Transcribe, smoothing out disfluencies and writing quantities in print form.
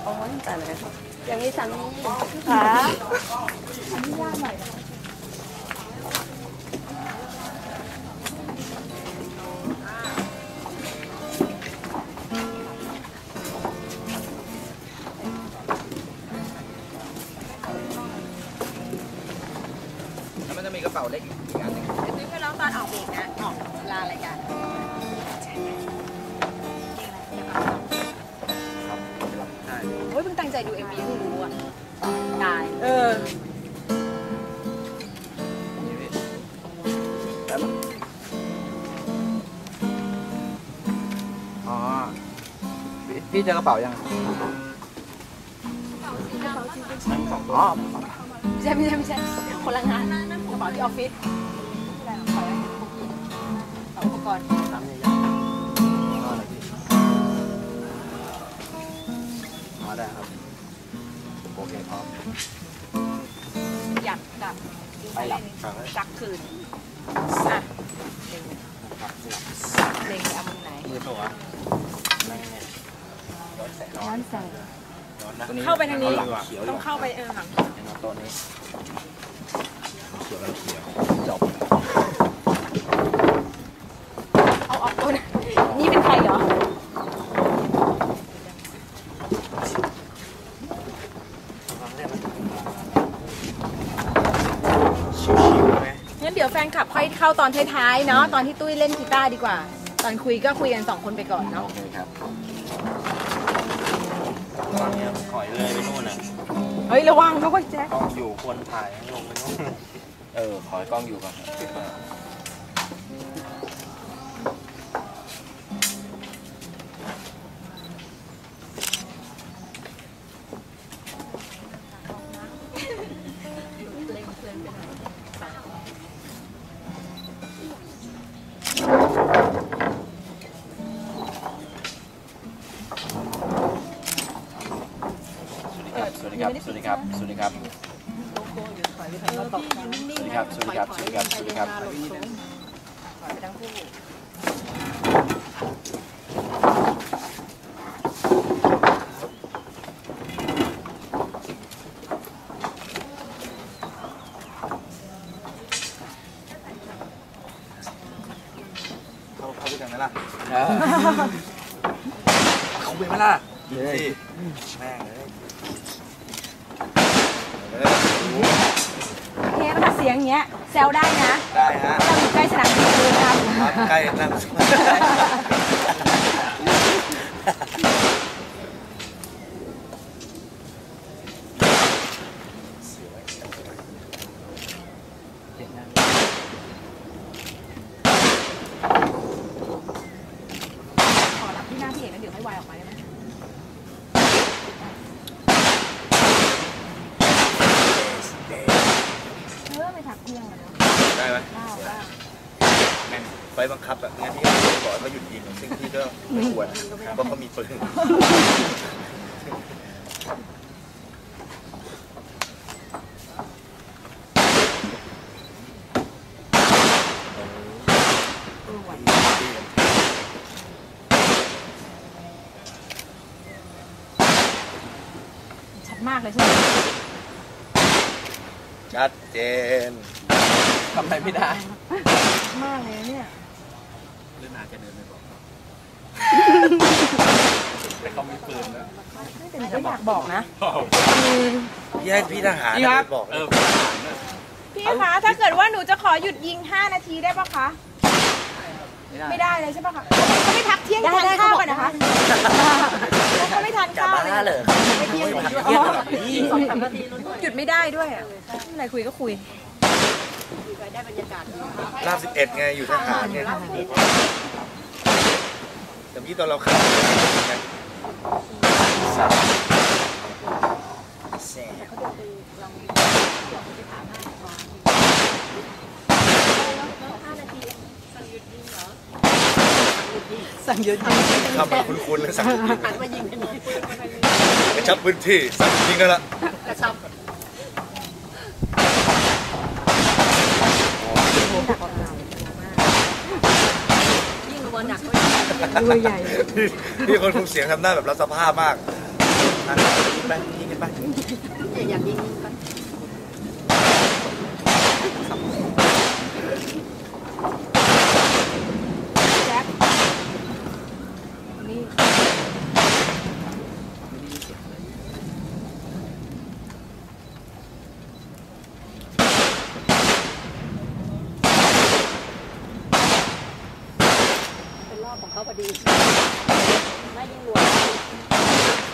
โอ้ยแต่เลยยังมีสามีค่ะอันนี้ยากหน่อยแล้วมันจะมีกระเป๋าเล็กอีกอันหนึ่งซื้อไปแล้วตอนออกเบรกนะออกลารายการโอ้ยเพิ่งตั้งใจดู MV เพิ่งรู้อ่ะตายอ๋อพี่เจอกระเป๋ายังอ๋อไม่ใช่คนละงานกระเป๋าที่ออฟฟิศอะไรของเขาอุปกรณ์น้ำใหญ่ๆก็อะไรพี่อ๋อได้ครับโอเคพร้อมอยากดับไปหลับซักคืนอ่ะเล็งเอามุมไหนมือตัวย้อนแสงเข้าไปทางนี้ต้องเข้าไปหลังตัวนี้เขียวจบเอาออกตัวนี่เป็นใครเหรองั้นเดี๋ยวแฟนคลับค่อยเข้าตอนท้ายๆเนาะตอนที่ตุ้ยเล่นกีตาร์ดีกว่าตอนคุยก็คุยกัน2 คนไปก่อนเนาะโอเคครับตอนนี้ถอยเลยไปนู่นน่ะเฮ้ยระวังเขาก็แจ๊คกล้องอยู่ควรถ่ายลงไปนู่นขอให้กล้องอยู่ก่อนสวัสดีครับสวัสดีครับสวัสดีครับสวัสดีครับสวัสดีครับสวัสดีครับสวัสดีครับถอยไปทั้งคู่เขาไปกันไหมล่ะเขาไปไหมล่ะสิแม่งเลยเทปเสียงอย่างเงี้ยแซวได้นะได้ฮะเราอยู่ใกล้สนามบินเลยครับใกล้นั่นขอรับที่หน้าพี่เอกแล้วเดี๋ยวให้วายออกมาได้ไหมไม่ถักเที่ยงเลยได้ไหมแม่งไฟบังคับแบบงั้นพี่ก็บอกว่าหยุดยิงซึ่งพี่ก็ไม่ควรเพราะเขามีปืนชัดมากเลยใช่ไหมชัดเจนทำอะไรไม่ได้มากเลยเนี่ยเรื่องนาจะเดินไปบอกแต่เขามีปืนนะไม่อยากบอกนะพี่ให้พี่ทหารบอกพี่คะถ้าเกิดว่าหนูจะขอหยุดยิง5 นาทีได้ปะคะไม่ได้เลยใช่ปะคะเขาไม่พักเที่ยงทานข้าวกันนะคะเขาไม่ทานข้าวเลยไม่เที่ยงหยุดไม่ได้ด้วยอ่ะอะไรคุยก็คุยได้บรรยากาศลาบ11ไงอยู่ทหารไงแต่พี่ตอนเราขับสั่งหยุดยิงทำมาคุ้นๆเลยสั่งหยุดยิงมายิงกระชับพื้นที่สั่งยิงกันละกระชับยิ่งกว่าหนักด้วยใหญ่พี่คนคุมเสียงทำหน้าแบบรับสภาพมากกันไปยิงกันไปอยากยิงไปแจ็คนี่เป็นรอบของเขาพอดีไม่ยิงหลวง